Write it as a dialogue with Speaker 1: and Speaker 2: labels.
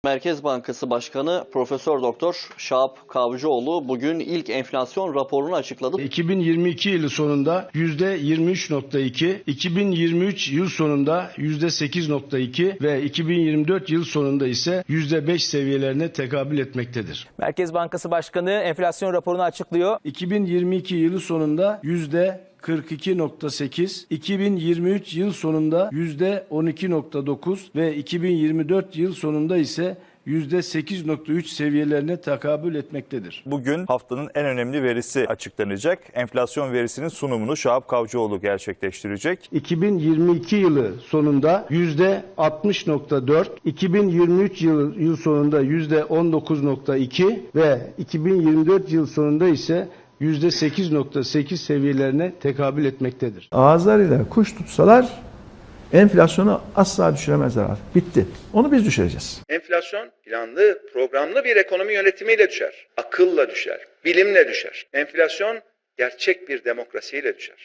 Speaker 1: Merkez Bankası Başkanı Profesör Doktor Şahap Kavcıoğlu bugün ilk enflasyon raporunu açıkladı.
Speaker 2: 2022 yılı sonunda %23.2, 2023 yıl sonunda %8.2 ve 2024 yıl sonunda ise %5 seviyelerine tekabül etmektedir.
Speaker 3: Merkez Bankası Başkanı enflasyon raporunu açıklıyor.
Speaker 2: 2022 yılı sonunda %42.8, 2023 yıl sonunda %12.9 ve 2024 yıl sonunda ise %8.3 seviyelerine tekabül etmektedir.
Speaker 4: Bugün haftanın en önemli verisi açıklanacak. Enflasyon verisinin sunumunu Şahap Kavcıoğlu gerçekleştirecek.
Speaker 2: 2022 yılı sonunda %60.4, 2023 yıl sonunda %19.2 ve 2024 yıl sonunda ise %8.8 seviyelerine tekabül etmektedir.
Speaker 5: Ağızlarıyla kuş tutsalar enflasyonu asla düşüremezler artık. Bitti. Onu biz düşüreceğiz.
Speaker 6: Enflasyon planlı, programlı bir ekonomi yönetimiyle düşer. Akılla düşer, bilimle düşer. Enflasyon gerçek bir demokrasiyle düşer.